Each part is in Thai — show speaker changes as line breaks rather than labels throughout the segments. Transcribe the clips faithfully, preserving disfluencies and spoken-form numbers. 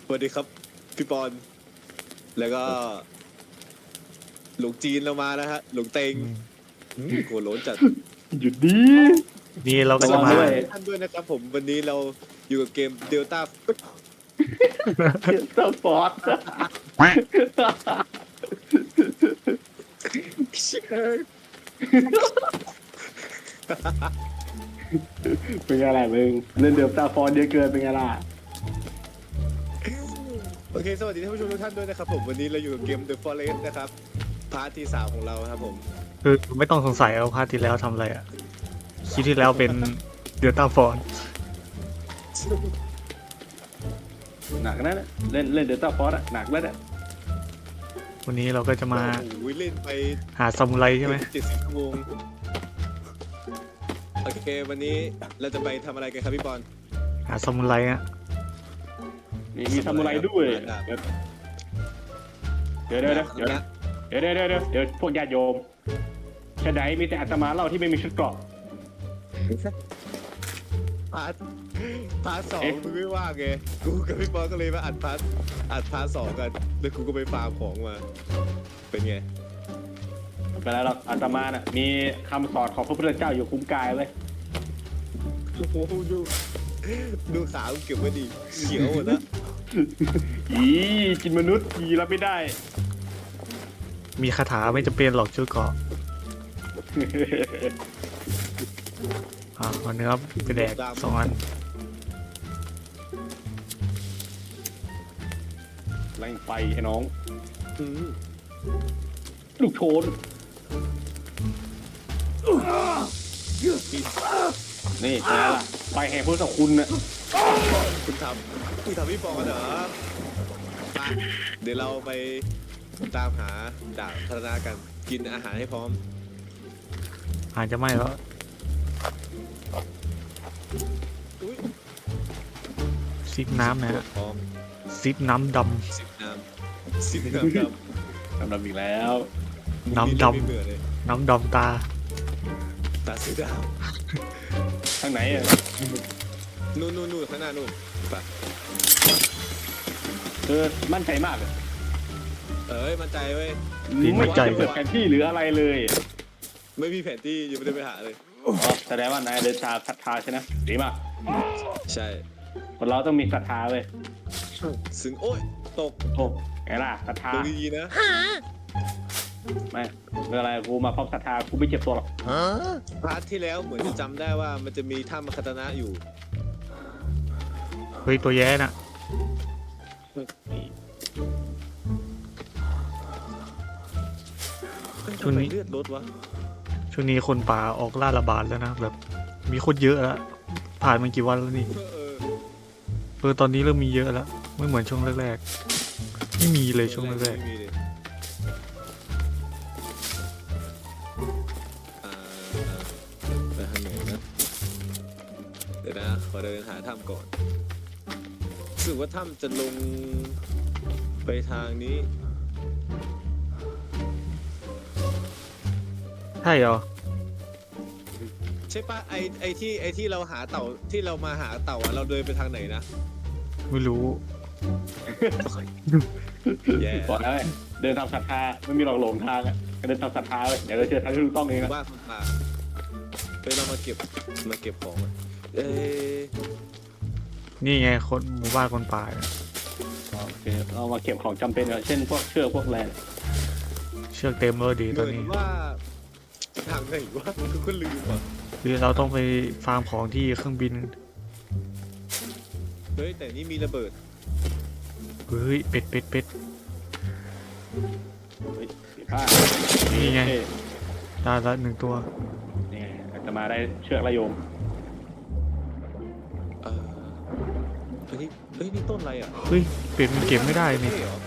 สวัสดีครับพี่ปอนแล้วก็หลวงจีนเรามาแล้วฮะหลวงเตงโกรธโหลนจัด
หยุดดี
นี่เราก็จะ
ระวั
มาง
ด้วย
ท่านด้วยนะครับผมวันนี้เราอยู่กับเกมเดลต้า
เตอร์ฟอร์ดเป็นไงล่ะมึงเล่นเดลต้าฟอร์ดเยอะเกินเป็นไงล่ะ
โอเคสวัสดีท่านผู้ชมทุกท่านด้วยนะครับผมวันนี้เราอยู่กับเกม The Forest นะครับพาร์ทที่สามของเราครับผม
คือไม่ต้องสงสัยว่าพาร์ทที่แล้วทำอะไรอ่ะคลิปที่แล้วเป็นเดลต้าฟอน
หนักนะเล่นเล่นเดลต้าฟอร์ดหนักแล้วเนี่ย
วันนี้เราก็จะมา
โอ้โหเล่นไป
หาซามูไรใช่ไหม
เจ็ดสิบชั่วโมงโอเควันนี้เราจะไปทำอะไรกันครับพี่ปอน
หาซามูไรอ่ะ
มีมีซามูไรด้วยเดี๋ยวเดี๋ยวเดี๋ยวเดี๋ยว
นะ
เดี๋ยวเดี๋ยวเดี๋ยวเดี๋ยวเดี๋ยวพวกญาติโยมชะไดมีแต่อาตมาเล่าที่ไม่มีชุดเกราะ
พาร์ทพาร์ทสอง
เอ๊ะ
มึงไม่ว่างไงกูกับพี่ปอนก็เลยมาอัดพาร์ทอัดพาร์ทสองกันแล้วกูก็ไปฟาร์มของมาเป็นไง
ไม่เป็นไรหรอกอาตมาน่ะมีคำสอนของพระพุทธเจ้าอยู่คุ้มกายเว้ย
โอ้โหดูดูขากูเก็บไว้ดีเขียวหมดแล้ว
อีกินมนุษย์อีรับไม่ได้
มีคาถาไม่จำเป็นหรอกชุดเกราะอ่าเอาเนื้อไปแดกสองอัน
แรงไฟไอ้น้อง
อืม
ลูกโชนนี่ไงล่ะไฟแห่งพุทธคุณน่ะ
คุณทำคุณทำพี่ปอนเหรอมาเดี๋ยวเราไปตามหาดาบพัฒนากันกินอาหารให้พร้อม
อาจจะไม่แล้ว
อุ้ย
ซิปน้ำนะฮะ
พร้อม
ซิปน้ำด
สิบน้ำสิบน้ำด
ทำดำอีกแล้ว
ำ
น้ำดำ
ไม่เบื่อเลย
ำน้ำดำตา
ตาสีดาว
ทางไหนอ่ะ
นู่นนู่นนู่นข้างหน้านู่นไป
เออมั่นใจมากเลย
เอ้ยมั่นใจเว้ย
ไม่ใจเปิดแผนที่หรืออะไรเลย
ไม่มีแผนที่ยังไม่ได้ไปหาเลย
อ๋อแสดงว่านายเดินทางศรัทธาใช่ไหมดีมาก
ใช่
คนเราต้องมีศรัทธาเว้ย
ซึ่งโอ้ยตก
โอ้ไงล่ะศรัทธา
ลงดีๆนะ
ไม่เรื่องอะไรกูมาพร้อมศรัทธากูไม่เจ็บตัวหรอก
พาร์ทที่แล้วเหมือนจะจำได้ว่ามันจะมีถ้ำคาตานะอยู่
เฮ้ยตัวแย่น่ะ ช่วงนี้
ทำไมเลือดลดวะ
ช่วงนี้คนป่าออกล่าระบาดแล้วนะแบบ มีคนเยอะแล้วผ่านมากี่วันแล้วนี่
เออเออ
เออตอนนี้เริ่มมีเยอะแล้วไม่เหมือนช่วงแรกๆไม่มีเลยช่วงแรก
ไม่มีเลยอ่าอ่าไปทางไหนนะเดี๋ยวนะขอเดินหาถ้ำก่อนรู้สึกว่าถ้ำจะลงไปทางนี้
ๆใช่เหรอ
ใช่ปะไอไอที่ไอที่เราหาเต่าที่เรามาหาเต่าอะเราเดินไปทางไหนนะ
ไม่รู้
แย่
บอกแล้วไงเดินทางศรัทธาไม่มีหลอกหลงทางอ่ะก็เดินทางศรัทธาเลยเดี๋ยวเราเจอทางที่ถูกต้องเองนะ
บ้านคนป่าเฮ้ยเรามาเก็บมาเก็บของอะเอ้ย
นี่ไงคนหมู่บ้านคนป่าเนี่ย
โอเคเรามาเก็บของจำเป็นเช่นพวกเชือกพวกแรง
เชือกเต็มเลยดี
เห
ตอน
มือน
นี้
ว่าทางไหนวะคือก็ลืมอ่ะ
คือเราต้องไปฟาร์มของที่เครื่องบิน
เฮ้ยแต่นี่มีระเบิด
เฮ้ยเป็ดเป็ดเป็ด
เฮ้ยสีผ้า
นี่ไง
เท่
ได้ละหนึ่งตัว
นี่ไงจะมาได้เชือกระโยม
เออเฮ้ยเฮ้ยนี่ต้นอะไรอ่ะ
เฮ้ยเป็ดมันเก็บไม่ได้นี่
เท่เหรอ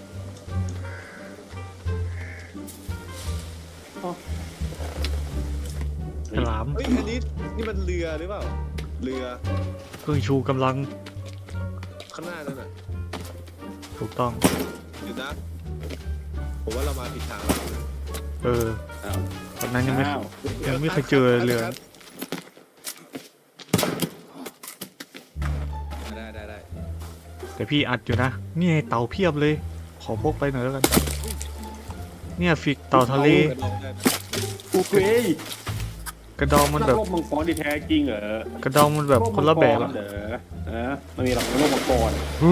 ฉลาม
เฮ้ยอันนี้นี่มันเรือหรือเปล่าเรือ
เครื่องชูกำลัง
ข้างหน้านั่นน่ะ
ถูกต้อง
เดี๋ยวนะผมว่าเรามาผิดทางแล้ว
เออ
อ้าว
ตอนนั้นยังไม่
อ้าว
ยังไม่เคยเจอเรือ
ได้ได้ได้
แต่แต่พี่อัดอยู่นะนี่ไงเต่าเพียบเลย ขอพกไปหน่อยแล้วกัน เนี่ยฟิกเต่าทะเล
กระดองได้ไหม
โอเค
กระดองมันแบบ
โลกมังกรที่แท้จริงเหรอก
ระดองมันแบบคนละแบบ
โลกมั
อะ
งกรเหรอเออมันมีหลักโลกมังกร
ฮึ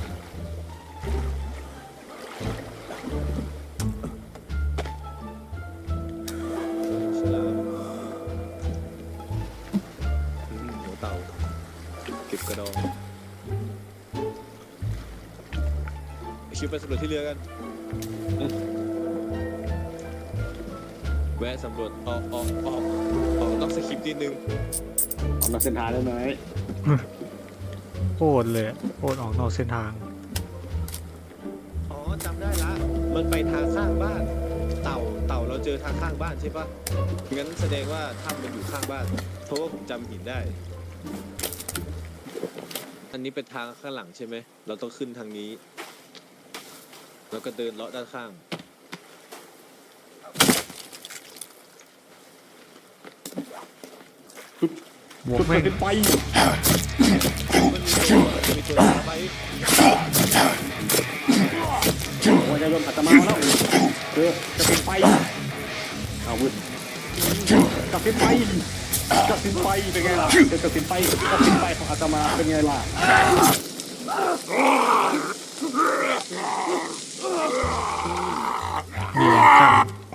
ฉลามอืมหัวเต่าเก็บกระดองคิวไปสำรวจที่เรือกันแวะสำรวจออกออกออกออกนอกสคริปต์นิดนึง
ออกนอกเส้นทางได้ไหม
โคตรเลยอะโคตรออกนอกเส้นทาง
อ๋อจำได้ละมันไปทางข้างบ้าน เต่าเต่าเราเจอทางข้างบ้านใช่ปะงั้นแสดงว่าถ้ำมันอยู่ข้างบ้าน เพราะว่าผมจำหินได้ อันนี้เป็นทางข้างหลังใช่ไหมเราต้องขึ้นทางนี้ แล้วก็เดินเลาะด้านข้าง
บวก
จุด
แม่ง
เป็นไฟ
มันมีตัวมีตัวไป
วันจะโดนอัตมาแล้วเออจะเป็นไฟเอาวุ้นกับเป็นไฟกับเป็นไฟเป็นไงล่ะเจอกับเป็นไฟกับเป็นไฟของอัตมาเป็นไงล่ะ
มีอย่างกัน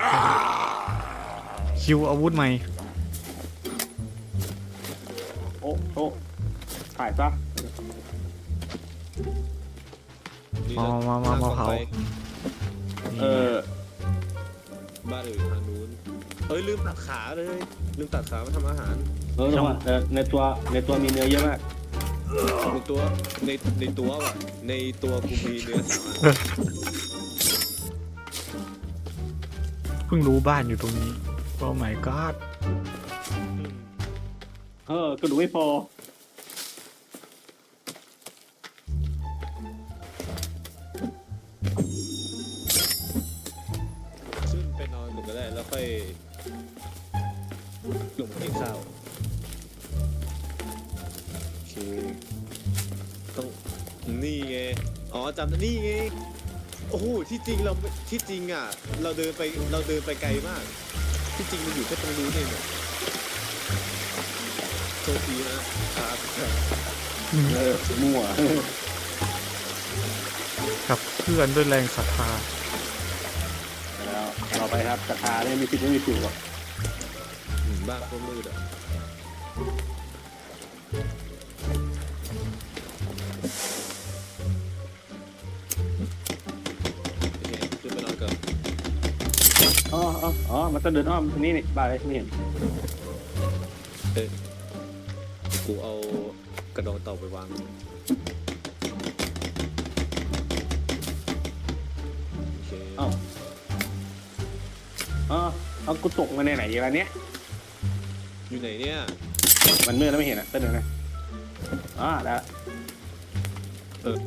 คิวอาวุธใหม่
โอ้โอ้ถ่ายซะ
นี่
มา
นะ
มามามา
ทง
เผา
ไป
เออ
บ้านอื่นทางนู้นเอ้ยลืมตัดขาเลย ลืมตัดขามาทำอาหาร
เออเออในตัวในตัวมีเนื้อเยอะมาก
ในตัวในในตัวว่ะในตัวกูมีเนื้อสามอัน
เพิ่งรู้บ้านอยู่ตรงนี้โอ้ my god
เออก็ดูไม่พอ
ขึ้นไปนอนหนึ่งก็ได้แล้วค่อยลงมากินข้าวโอเคต้องนี่ไงอ๋อจำได้นี่ไงโอ้โหที่จริงเราที่จริงอ่ะเราเดินไปเราเดินไปไกลมาก ที่จริงมันอยู่แค่ตรงนู้นเองเนี่ยโทษทีนะครับ
เออมั่ว
กับเพื่อนด้วยแรงศรัทธา
แล้วเราไปครับกระทาเนี่ยมีผิดไม่มีถูกหรอก
อืมบ้านก็มืดอ่ะโอเคขึ้นไปนอนก่อน
อ๋ออ๋ออ๋อมันต้องเดินอ้อมทางนี้นี่บ้าเลยไม่เห็น
เอ้ยกูเอากระดองเต่าไปวางโอเค
อ๋ออ๋อเอากูตกมาในไหนอย่างเนี้ย
อยู่ไหนเนี่ย
มันมืดแล้วไม่เห็นอ่ะเต้นหนึ่งนะอ๋อแล้ว
เออ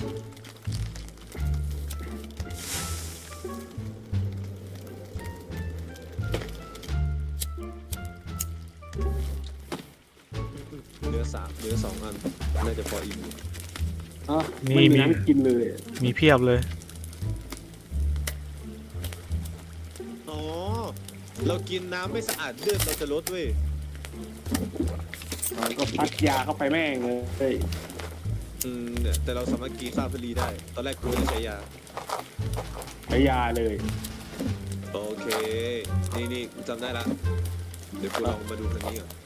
เนื้อสามเนื้อสองอันน่าจะพออิ่มอยู่
อ๋อไม่มีน้ำกินเลย
มีเพียบเลย
อ๋อเรากินน้ำไม่สะอาดเลือดเราจะลดเว้ย
มันก็พัดยาเข้าไปแม่งเลย
อืมเนี่ยแต่เราสามารถกินข้าวพลีได้ ตอนแรกกูจะใช้ยา
ใช้ยาเลย
โอเค นี่นี่กูจำได้ละ เดี๋ยวกูลองมาดูทางนี้ก่อน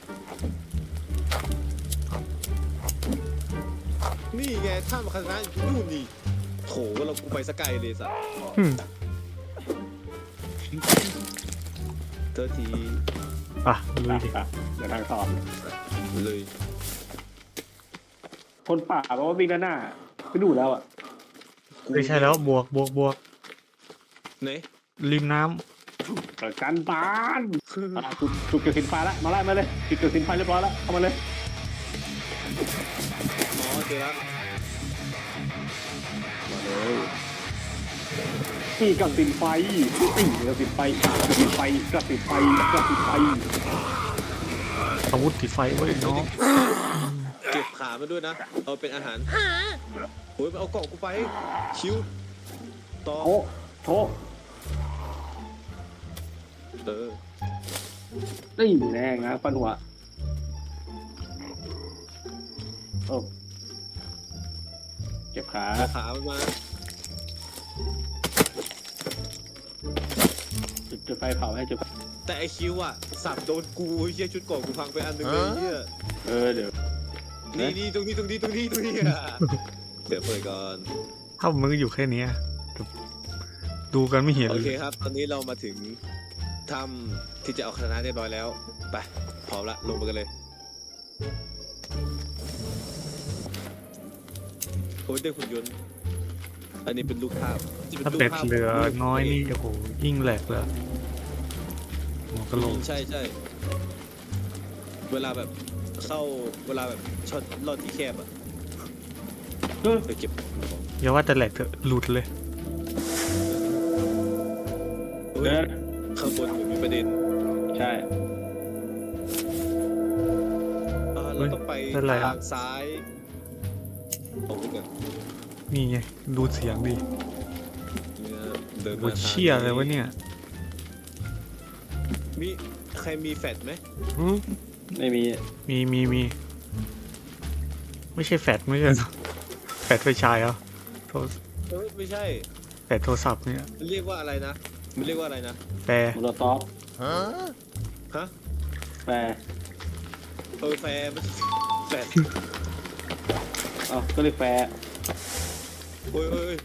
นี่ไงถ้ำคณะอยู่นู่นนี่โถว่าเรากูไปสกายเลยสัส
อืม
เธอที
อ่ะลุยดิ
อ่ะเดี๋ยวทางสอบ
เลย
คนป่าบอกว่าวิ่งด้านหน้าก็ดูแล้วอ่ะ
ไม่ใช่แล้วบวกบวกบวก
ไหน
ริมน้
เปิดการบ้าน
คือ
อ่ะจุดจุดเกิดสินไฟแล้วมาไล่มาเลยจุดเกิดสินไฟเรียบร้อยแล้วเข้ามาเลย
อ๋อเจอแล้ว
มาเลยนี่กับสินไฟนี่กับสินไฟกับสินไฟกับสินไฟกับสินไฟ
ำอาวุธติดไฟไว้ยน้อง
เก็บขามาด้วยนะ เอาเป็นอาหารโอ้ยมันเอาเกาะกูไปคิวต่อ
โอ้โถ
เออ
นี่แรงนะฟันหัวโอ้เจ็บขา
เอาขามันมา
จุดจุดไฟเผาให้จุดไฟ
แต่ไอคิวอ่ะสับโดนกูเฮียชุดเกาะกูพังไปอันหนึงเลยเฮีย
เออเดี๋ยว
นี่นี่ตรงนี้ตรงนี้ตรงนี้ตรงนี้อ่ะเดี๋ยวเปิดก่อน
ถ้ามึงอยู่แค่เนี้ยดูกันไม่เห็น
โอ
เล
เค
ย
ครับ ตอนนี้เรามาถึงถ้ำที่จะเอาคณะเรียบร้อยแล้วไปพร้อมละลงไปกันเลยโอ้ยได้หุ่นยนต์อันนี้เป็นลูกภาพที่เป็น
ถ้า
รูป
เป็ด
ภาพ
เหลือ
ของ
น้อยนี่โอ้โหยิ่งแหลกเลยหัวกะโหลก
ใช่ใช่เวลาแบบเข้าเวลาแบบช็อตลอดที่แคบอ่ะ
เออ
ไปเก็บของ
อย่าว่าแต่แหลกเถอะหลุดเลย
เฮ้ย
เดิน
ข้างบนเหมือนมีประเด็น
ใช่
อ่าเราต้องไป
เป็นไรอะ
ทางซ้ายตรงนี้ก่อน
นี่ไงดูเสียงดิ
เนี่ยเดิน
โอ้
มาทาง
เชี่ยอะไรวะเนี่ย
มีใครมีแฟลชไหม
หือ
ไม่มี
มีมีมีไม่ใช่แฟดไม่ใช่เหรอแฟดไฟฉายเหรอโทร
เอ้ยไม่ใช่
แฟดโทรศัพท์เนี่ย
มันเรียกว่าอะไรนะมันเรียกว่าอะไรนะ
แปร
โมโลท็อป
ฮะ
แปร
เออแฟร์ไม่ใช่แฟลช
เอ้าก็เลยแปร
โอ้ยโอ้ยโอ้ย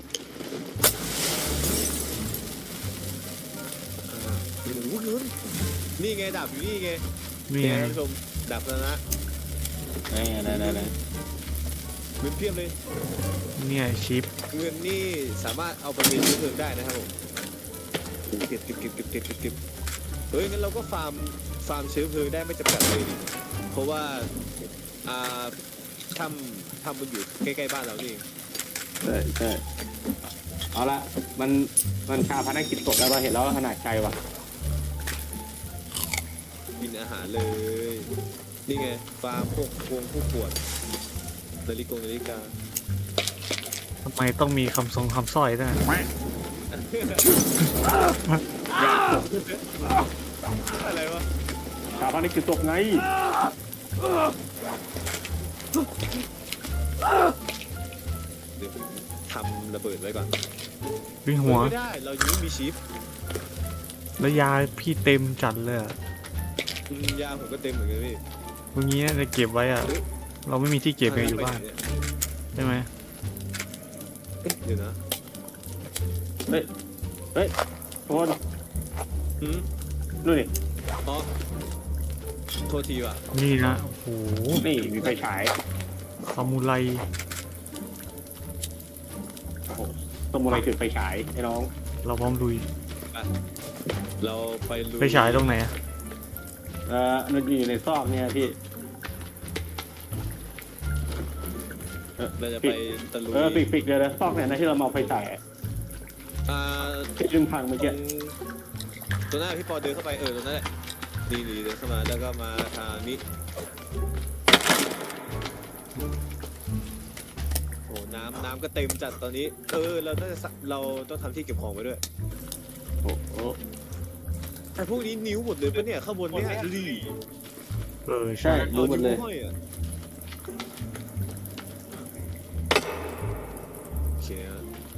อ่าโอ้โหเงินนี่ไงดาบอยู่นี่ไง
นี่
นี่
ไง
ไงท่านผู้ชมดาบแล้วนะ
ไหนไหนไหนไหน
เงินเพียบเลย
เนี่ยชิป
เงินนี่สามารถเอาไปเป็นเชื้อเพลิงได้นะครับผมเก็บเก็บเก็บเก็บเก็บเก็บเก็บเฮ้ยงั้นเราก็ฟาร์มฟาร์มเชื้อเพลิงได้ไม่จำกัดเลยดิเพราะว่าอ่าทำทำมันอยู่ใกล้ๆบ้านเรานี่เอง
ใช่ใช่เอาละมันมันชาพนักกิจศพแล้วเราเห็นแล้วขนาดไกลว่ะ
กินอาหารเลย นี่ไงฟาร์มพวกพวงพวกขวดนาฬิกานาฬิกา
ทำไมต้องมีคำทรงคำสร้อยด้วย
อะไรวะ
ชาพนักกิจศพไง
เดี๋ยวผมทำระเบิดไว้ก่อน
วิ่งหัว
ไม่ได้เรายังไม่มีชิป
แล้วยาพี่เต็มจัดเลยอะ
อืมยาผมก็เต็มเหมือนกันพี่
ตรงนี้จะเก็บไว้อะเราไม่มีที่เก็บไงอยู่บ้าน
ไปไหเย
ใช่ไหม
เอ๊ะเดี๋ยวนะ
เฮ้ยเฮ้ยโทษ
อืม
นู่นนี่
อ๋อโทษทีว่ะ
นี่นะโอ้โห
นี่มีไฟฉาย
ซามูไร
โอ้โหสมุไรถือไฟฉายไอ้น้อง
เราพร้อมลุย
เราไปลุย
ไปฉายตรงไหนอะ
เอ่อมันอยู่ในซอกเนี่ยพี่เออ
เราจะ
ปิ
ไป
ด
ตะลุย
เออปิดปิดเลยนะซอกเนี่ยนะที่เรามาเอาไฟฉาย
อ่า
ที่ดึงพังเมื่อ
ตร
กี้
งตัวหน้าพี่ปอเดินเข้าไปเออตรงนั้นแหละนี่นี่เดินเข้ามาแล้วก็มาทางนี้โอ้น้ำน้ำก็เต็มจัดตอนนี้ เออเราต้องเราต้องทำที่เก็บของไว้ด้วย
โอ้โห
ไอ้พวกนี้นิ้วหมดเลยปะเนี่ยข้างบนเนี่ยดูดิ
เออ
ใช่
ใช่
รู้หมดเลย
อานิ้วห้อยอะโอเคอะ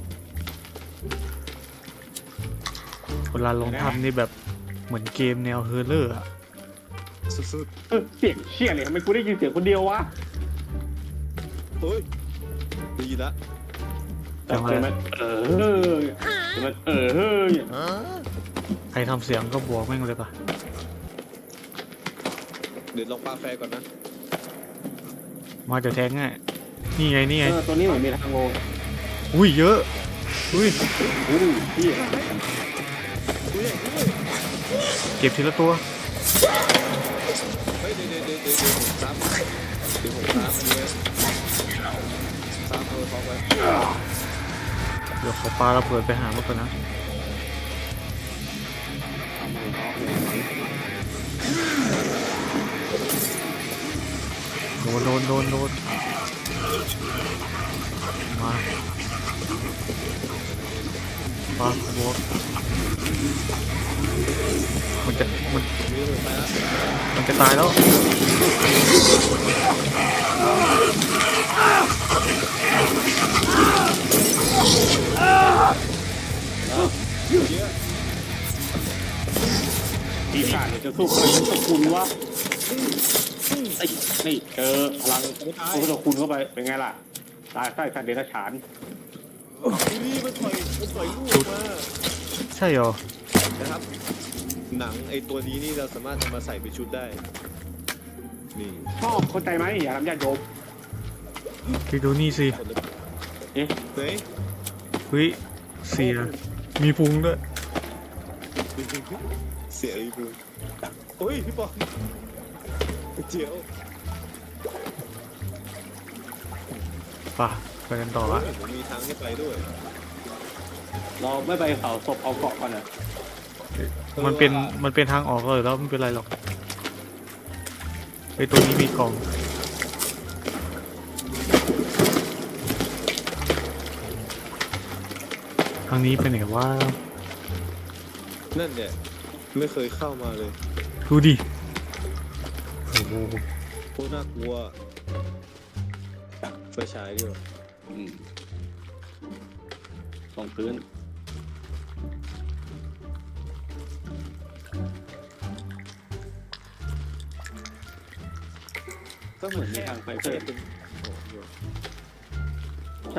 เวลาลงทำนี่แบบเหมือนเกมแนวเฮอร์เลอร์อะ
สุด
เออเสียงเชี่ยเนี่ยทำไมกูได้ยินเสียงคนเดียววะ
ๆเฮ้ยได้ยินละ
จังเล
ใช่
ย
ไหมเออใช่ไหมเออเฮ้ย
ใครทำเสียงก็บวกแม่งเลยปะ
เดี๋ยวลองปาแฟก่อนนะ
มาเดี๋ยวแทงง่ายนี่ไงนี่ไง
เออตัวนี้เหมือนมีทางโง
อุ้ยเยอะอุ้ย
อุ้ยพี่
ดูใหญ่ด้วย
เก็บทีละตัว
เฮ้ยเดี๋ยวเดี๋ยวเดี๋ยวเดี๋ยวผมซับเดี๋ยวผมซับอันนี้ไว้ซับเอาท็อปไว้
เดี๋ยวขอปลาระเบิดไปหามันก่อนนะโดนโดนโดนโดนมาปลาบวกมันจะมัน
มีระเบิดไปแล้ว
มันจะตายแล้ว
เยอะ
ปีศาจจะสู้พลังพุทธคุณวะไอ้นี่เจอพลังพุทธคุณเข้าไปเป็นไงล่ะตายใต้สัตว์เดรัจฉาน
นี่มันปล่อยมันปล่อยลูกมา
ใช่เหรอ
นะครับ หนังไอตัวนี้นี่เราสามารถทำมาใส่เป็นชุดได้นี่
ชอบเข้าใจไหมอย่าทำญาติโยม
ไปดูนี่สิ
คนละ
เอ๊ะ
เฮ้ย
เฮ้ยเสียมีพุงด้วย
เสียอีบูโอ้ยพี่ปอมเจียว
ป่ะไปกันต่อละ
ผมมีทางให้ไปด้วย
เราไม่ไปเผาศพเอาเกาะก่อนนะ
มันเป็นมันเป็นทางออกเลยแล้วไม่เป็นไรหรอกไอตัวนี้มีกล่องทางนี้เป็นไหนว่า
นั่นเนี่ยไม่เคยเข้ามาเลย
ดูดิโอ้โห
โคตรน่ากลัวไฟฉายด้วย
อืมลงพื้นก็เหมือนมีทางไปเพิ่มใช่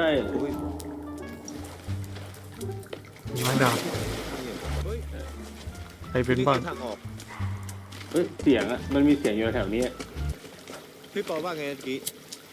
ไม้ดาบ
เฮ้ย
ใครเป็น
นี่
บ้าง
คือทางออก
เฮ้ยเสียงอะมันมีเสียงอยู่แถวนี้
พี่ปอว่าไงเมื่อกี้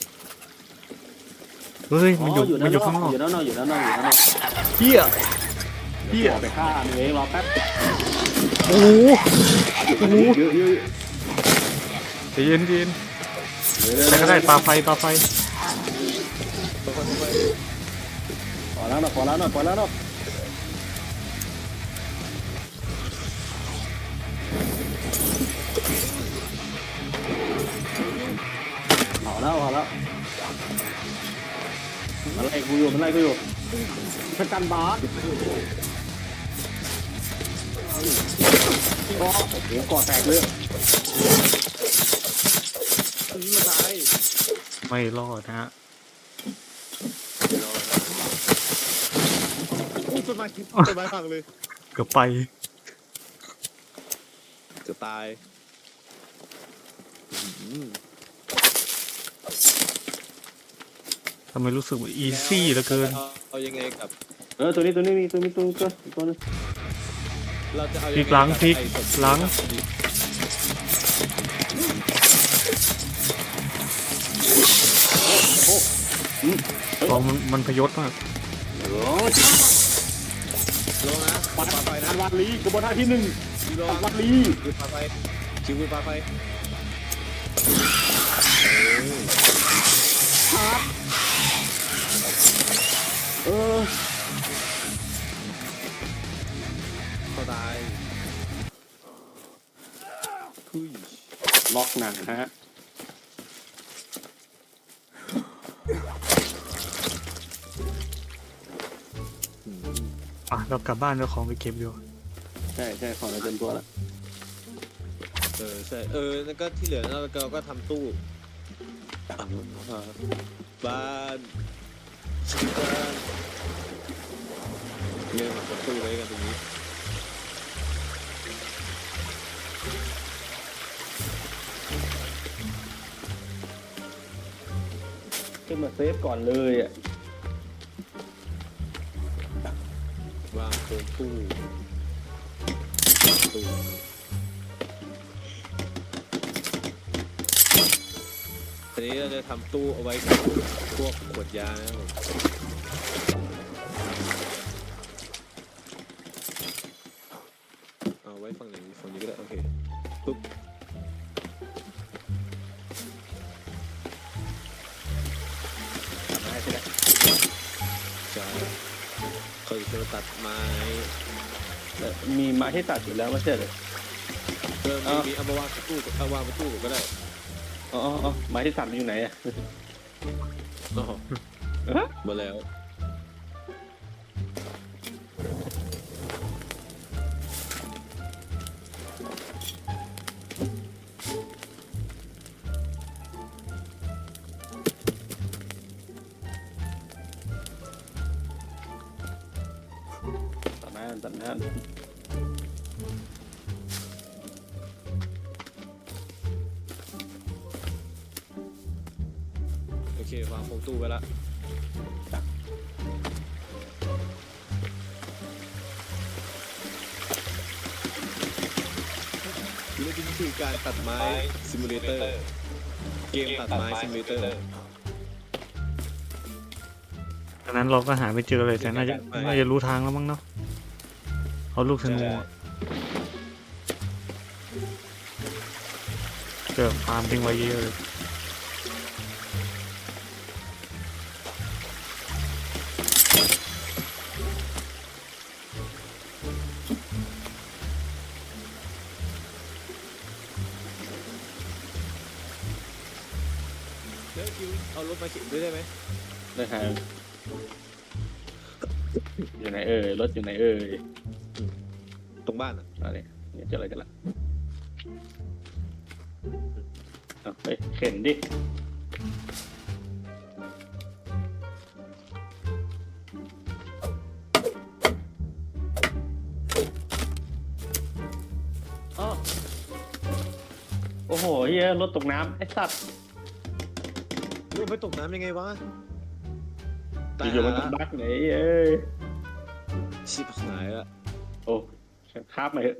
เฮ้ยมันอยู่
อยู่
มัน
ด้าน
อน ยู่
อ
ข้างน
ก
อก
อยู่ด้านนอกอยู่ด้านนอกอยู่ด้านนอก
เฮียเฮีย
ออกไปฆ่ามันเองรอแป๊บ
โอ้โหโอ้โห
เยอะเยอะ
ใจเย็นใจเย็น
เยอะ
แต่ก็ได้ปลาไฟปลาไฟ
ค่อยๆไป
พอแล้วนะพอแล้วนะพอแล้วนะพอแล้วพอแล้วมันไล่กูอยู่มันไล่กูอยู่พระจันทร์บาสก็โอ้โหก่อแตกเลย
อันนี้มาตาย
ไม่รอดนะฮะ
อู้ต้นไม้ต้นไม้พังเลย
เกือบไป
จะตายอืม
ทำไมรู้สึกว่าอีซี่เหลือเกิน
อาเอายังไงกับ
เออตัวนี้ตัวนี้มีตัวนี้ตัวนี้ตัวตัวนึง
เราจะเอา
พลิกหลังพลิกหลัง กองมันมันพยศมาก
โอ้
ลงนะปาไฟนะ
วาลีกระบวนท่าที่หนึ่ง
ลง
วาลี
คือปาไฟชิวคือปาไฟ
ชาร์จเออ
เขาตายคุย
ล็อกหนังฮะ
อ่ะเรากลับบ้านเราของไปเก็บอยู่
ใช่ใช่ของเราเต็มตัวแล้ว
เออใช่เออแล้วก็ที่เหลือเราก็เราก็ทำตู้อ่าบ้านชิบ้านเนี่ยมาทำตู้ไว้กันตรงนี้
ขึ้นมาเซฟก่อนเลยอ่ะ
วางโครงตู้ตู้ทีนี้เราจะทำตู้เอาไว้กับพวกขวดยานะครับเอาไว้ฝั่งไหนฝั่งนี้ก็ได้โอเคปุ๊บใช่เขาจะมาตัดไม้
มีไม้ให้ตัดอยู่แล้วไม่ใช่เหรอ
เออมีมีเอามาวางบนตู้เอาวางบนตู้ก็ได้
อ๋ออ๋อไม้ที่ตัดมันอยู่ไหนอ่ะ
อ๋อหมดแล้ว
ตัดหน้าตัดหน้า
โอเควางโครงตู้ไปละนี่คือการตัดไม้ซิมูเลเตอร์เกมตัดไม้ซิมูเลเตอร์
ดังนั้นเราก็หาไม่เจอเลยแต่น่าจะน่าจะรู้ทางแล้วมั้งเนาะเอาลูกธนูอะเกิดฟาร์มทิ้งไว้เยอะเลย
เดี๋ยวคิวเอารถมาเข็นด้วยได้ไหม
ได้ทางอยู่ไหนเอ่ยรถอยู่ไหนเอ่ย
ตรงบ้านอ่ะ
อะไรเนี่ยเจออะไรกันละเอาไปเข็นดิอ้อโอ้โหเฮียรถตกน้ำไอ้สัตว์
ลูกไปตกน้ำยังไงวะตาย
อยู่ๆมัน
หา
ก็
ละ
บักไหนเอ้ย
ชิบหายละ
โอ้คาบมาเถอะ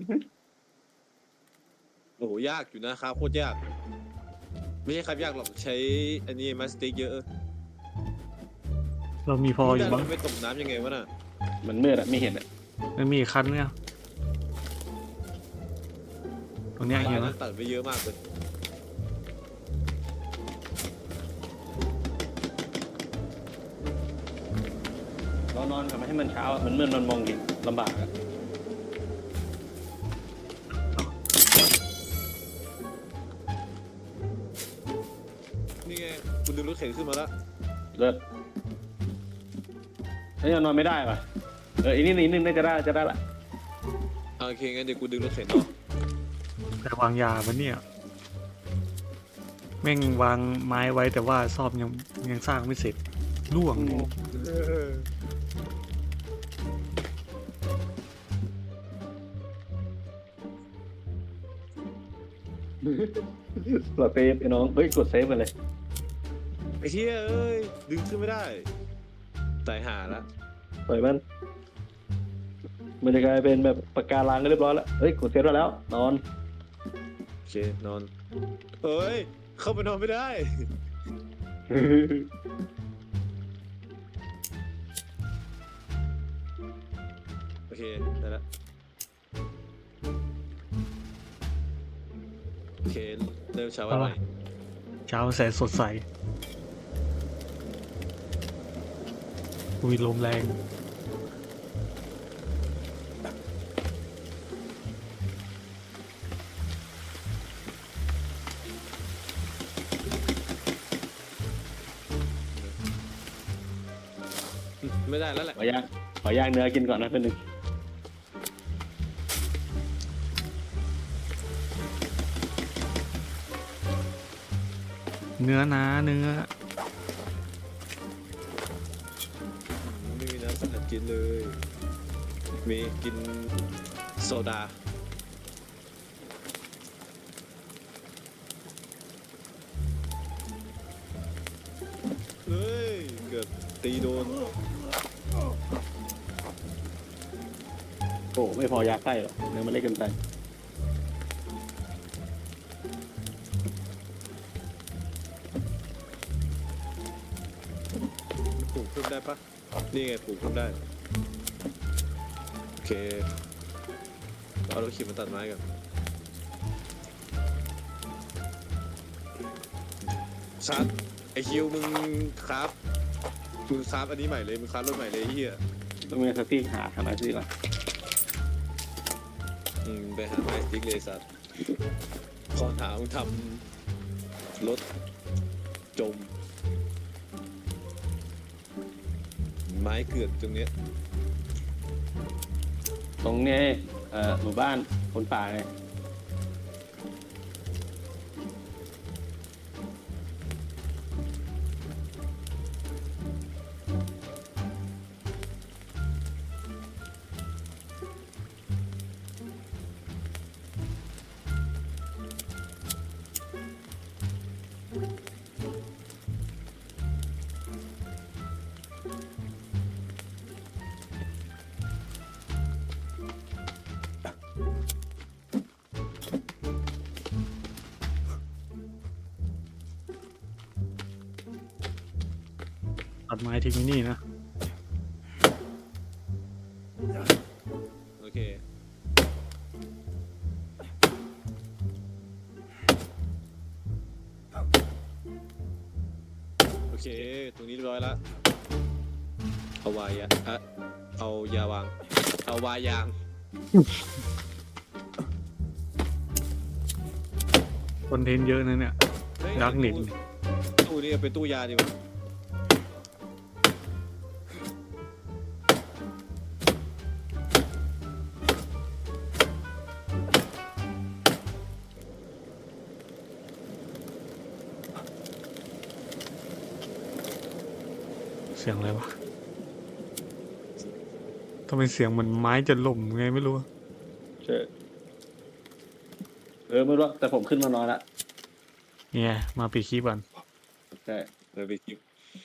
โอ้โหยากอยู่นะครับโคตรยาก ไม่ใช่ครับยากหรอกใช้อันนี้มาสติกเยอะ
เรามีพออยู่
แต่
มั้ง
เราไปตกน้ำยังไงวะน่ะ
มันมืดอะไม่เห็นอะ
มันมีอีกคันเนี่ยตรงเนี้ยเห็นไหม
ตัดไปเยอะมากเลย
เรานอนทำให้มันเช้าอะมันมืดมันมองเห็นลำบากอะ
นี่ไงคุณดึงรถเข็นขึ้นมาแล้ว
เลิศเฮ้ยยังนอนไม่ได้ป่ะเอออีกนิดนึงอีกนิดนึงน่าจะได้จะได้ละ
โอเคงั้นเดี๋ยวกูดึงรถเข็นต่อ
แต่วางยาปะเนี่ยแม่งวางไม้ไว้แต่ว่าซ่อมยังยังสร้างไม่เสร็จล่วง
เราเซฟไอ้น้องเฮ้ยกดเซฟไปเลย
ไอ้เหี้ยเอ้ยดึงขึ้นไม่ได้ตายหาละ
ปล่อยมันมันจะกลายเป็นแบบปากการังก็เรียบร้อยแล้วเฮ้ยกดเซฟได้แล้วนอน
โอเคนอนเอ้ยเข้าไปนอนไม่ได้โอเคได้ละโอเคเริ่มเช้าวันใหม่
เช้าแสนสดใสอุ้ยลมแรง
ไม่ได้แล้วแหละ
ขอย่างขอย่างเนื้อกินก่อนนะเป็นหนึ่ง
เนื้อนะเนื้อ
ไม่มีน้ำสลัดกินเลย มีกินโซดาเฮ้ยเกือบตีโดน
โอ้ไม่พอยาไส้หรอกเนื้อมันเล็กเกินไป
ปลูกเพิ่มได้ปะนี่ไงปลูกเพิ่มได้ โอเคเอารถขี่มาตัดไม้กันชัดไอคิวมึงครับมึงครับอันนี้ใหม่เลยมึงครับรถใหม่เลยไอ้เฮีย
ต้องมีสักที่หาหาอะไรสิก่อน
อืมไปหาไม้สติ๊กเลยสัตว์ขอถามมึงทำรถจมไม้เกือกตรงเนี้ย
ตรงนี้เอ่อหมู่บ้านคนป่าเนี่ย
ตัดไม้ทิ้งไว้นี่นะ
โอเคโอเคตรงนี้เรียบร้อยแล้วเอาวายาอะเอายาวางเอาวายาง
คอนเทนต์เยอะนะเนี่ย
เฮ้ย
ดักเน็ต
ตู้ตู้นี้เป็นตู้ยาดีกว่า
เสียงอะไรวะทำไมเสียงเหมือนไม้จะล่มไงไม่รู้อะ
ใช่เออไม่รู้แต่ผมขึ้นมานอนละ
เนี่ยมาปิดคลิปก่อน
ใช่
เราไปคลิป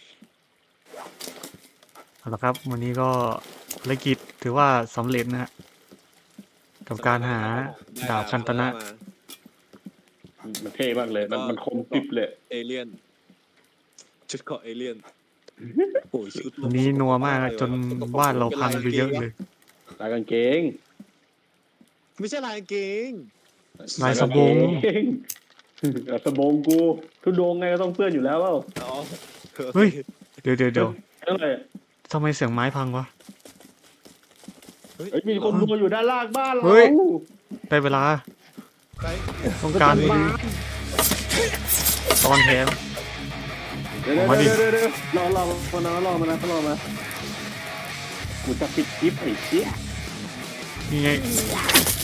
เอาละครับ วันนี้ก็ภารกิจถือว่าสำเร็จนะฮะกับการหาดาบคันตนะ
มา
มันเท่มากเลยมันมันคมกริบเลย
เอเลี่ยนชุดเกาะเอเลี่ยนโอ้ยชุด
วันนี้นัวมากจนบ้านเราพังไปเยอะเลย
ลายกางเกง
ไม่ใช่ลายกางเกง
ลายสบง
ลายกาเกงสบงกูทุดงไงก็ต้องเพื่อนอยู่แล้วเปล่า
อ๋อ
เฮ้ย เดี๋ยวเดี๋ยวเดี๋ยว
อะไร
ทำไมเสียงไม้พังวะ
เฮ้ยมีคนดูอยู่ด้านล่างบ้านเรา
เฮ้ย ได้เวลา
ใคร
ต้องการ
มา
ตอนแถม
เดี๋ยว
ออกมาดิ
เดี๋ยวเดี๋ยวรอรอมานะรอมานะรอมากูจะปิดคลิปไอ้เชี่ย
นี่ไง
นี่ไง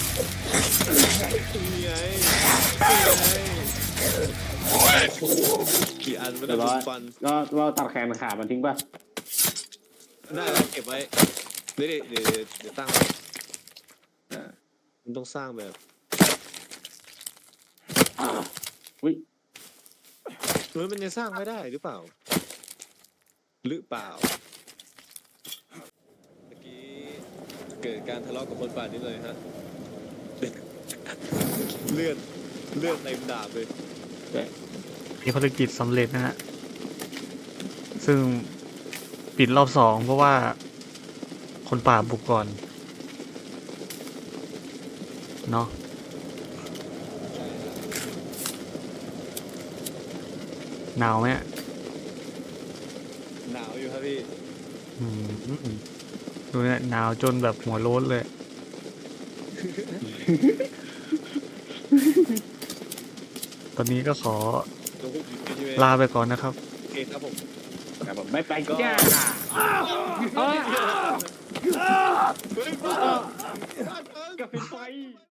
นี่ไงกี่อันไม่ได้เป็นฟัน
เราเราตัดแขนขามันทิ้งป่ะ
ได้แล้วเก็บไว้เดี๋ยวเดี๋ยวเดี๋ยวเดี๋ยวตั้งไว้มันต้องสร้างแบบ
อุ้ย
เฮ้ยมันจะสร้างไม่ได้หรือเปล่า หรือเปล่าเมื่อกี้เกิดการทะเลาะกับคนป่านิดเลยฮะ เลือดเลือดเต็มดาบเลย
มีภารกิจสำเร็จนะฮะ ซึ่งปิดรอบสองเพราะว่าคนป่าบุกก่อน เนาะหนาวไหมอะ
หนาวอยู่ครับพี่
อืมดูเนี่ยหนาวจนแบบหัวโล้นเลย ตอนนี้ก็ขอ
ลงพวกอยู่ใช่ไหม
ลาไปก่อนนะครับ
โอเคครับผม
แต่ผมไม่ไปจ้า
เฮ้ย
กับไฟ